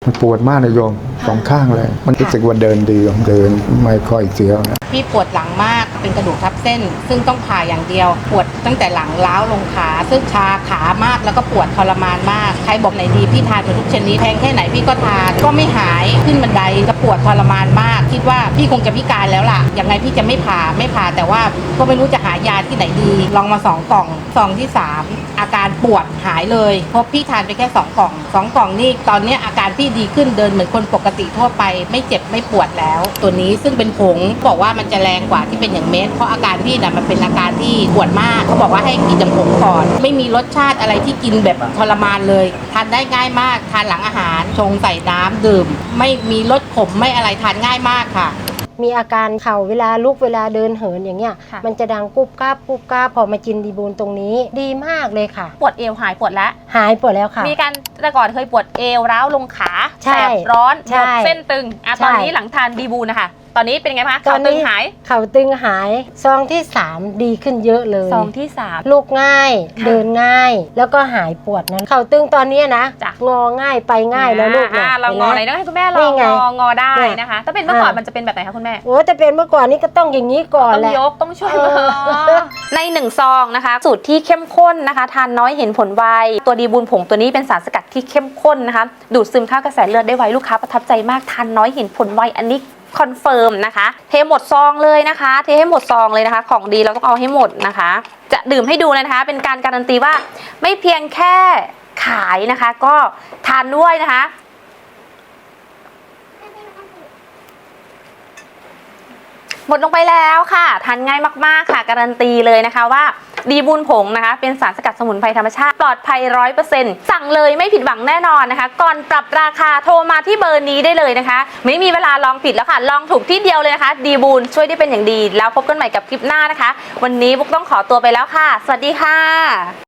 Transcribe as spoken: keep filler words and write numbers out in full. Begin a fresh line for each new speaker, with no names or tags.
มันปวดมากเลยโยมสองข้างเลยมันรู้สึกว่าเดินดีเดินไม่ค่อยเสียวนะ
พี่ปวดหลังมากเป็นกระดูกทับเส้นซึ่งต้องผ่าอย่างเดียวปวดตั้งแต่หลังล้าวลงขาซึ่งชาขามากแล้วก็ปวดทรมานมากใครบอกไหนดีพี่ทานไปทุกชนิดแพงแค่ไหนพี่ก็ทานก็ไม่หายขึ้นบันไดจะปวดทรมานมากคิดว่าพี่คงจะพิการแล้วล่ะยังไงพี่จะไม่ผ่าไม่ผ่าแต่ว่าก็ไม่รู้จะหายาที่ไหนดีลองมาสองกล่องซองที่สามอาการปวดหายเลยเพราะพี่ทานไปแค่สองกล่องสองกล่องนี่ตอนนี้อาการพี่ดีขึ้นเดินเหมือนคนปกติทั่วไปไม่เจ็บไม่ปวดแล้วตัวนี้ซึ่งเป็นผงบอกว่ามันจะแรงกว่าที่เป็นอย่างเม็ดเพราะอาการพี่น่ะมันเป็นอาการที่ปวดมากเขาบอกว่าให้กินอย่างผงก่อนไม่มีรสชาติอะไรที่กินแบบทรมานเลยทานได้ง่ายมากทานหลังอาหารชงใส่น้ำดื่มไม่มีรสขมไม่อะไรทานง่ายมากค่ะ
มีอาการเข่าเวลาลุกเวลาเดินเหินอย่างเงี้ยมันจะดังกุบกาบกุบกาบพอมากินดีบูลตรงนี้ดีมากเลยค่ะ
ปวดเอวหายปวดแล้ว
หายปวดแล้วค่ะ
มีการแต่ก่อนเคยปวดเอวร้าวลงขาแสบร้อนหมดเส้นตึงอ่ะตอนนี้หลังทานดีบูลนะคะตอนนี้เป็นไงคะเข่าตึงหาย
เข่าตึงหายซองที่สามดีขึ้นเยอะเลย
ซองที่สาม
ลุกง่ายเดินง่ายแล้วก็หายปวดนั้นเข่าตึงตอนนี้นะงอง่ายไปง่ายแล้วลูก
เนี่ยเรางออะไรต้องให้คุณแม่ลองงองอได้นะคะถ้าเป็นเมื่อก่อนมันจะเป็นแบบไหนคะคุณแม่
โอ้แต่เป็นเมื่อก่อนนี่ก็ต้องอย่างนี้ก่อนแหละ
ต้องยกต้องช่วยในหนึ่งซองนะคะสูตรที่เข้มข้นนะคะทานน้อยเห็นผลไวตัวดีบูลผงตัวนี้เป็นสารสกัดที่เข้มข้นนะคะดูดซึมเข้ากระแสเลือดได้ไวลูกค้าประทับใจมากทานน้อยเห็นผลไวอันนี้คอนเฟิร์มนะคะเทหมดซองเลยนะคะเทให้หมดซองเลยนะคะของดีเราต้องเอาให้หมดนะคะจะดื่มให้ดูเลยนะคะเป็นการการันตีว่าไม่เพียงแค่ขายนะคะก็ทานด้วยนะคะหมดลงไปแล้วค่ะทานง่ายมากๆค่ะการันตีเลยนะคะว่าดีบูลผงนะคะเป็นสารสกัดสมุนไพรธรรมชาติปลอดภัย ร้อยเปอร์เซ็นต์ สั่งเลยไม่ผิดหวังแน่นอนนะคะก่อนปรับราคาโทรมาที่เบอร์นี้ได้เลยนะคะไม่มีเวลาลองผิดแล้วค่ะลองถูกที่เดียวเลยนะคะดีบูลช่วยได้เป็นอย่างดีแล้วพบกันใหม่กับคลิปหน้านะคะวันนี้บุ๊กต้องขอตัวไปแล้วค่ะสวัสดีค่ะ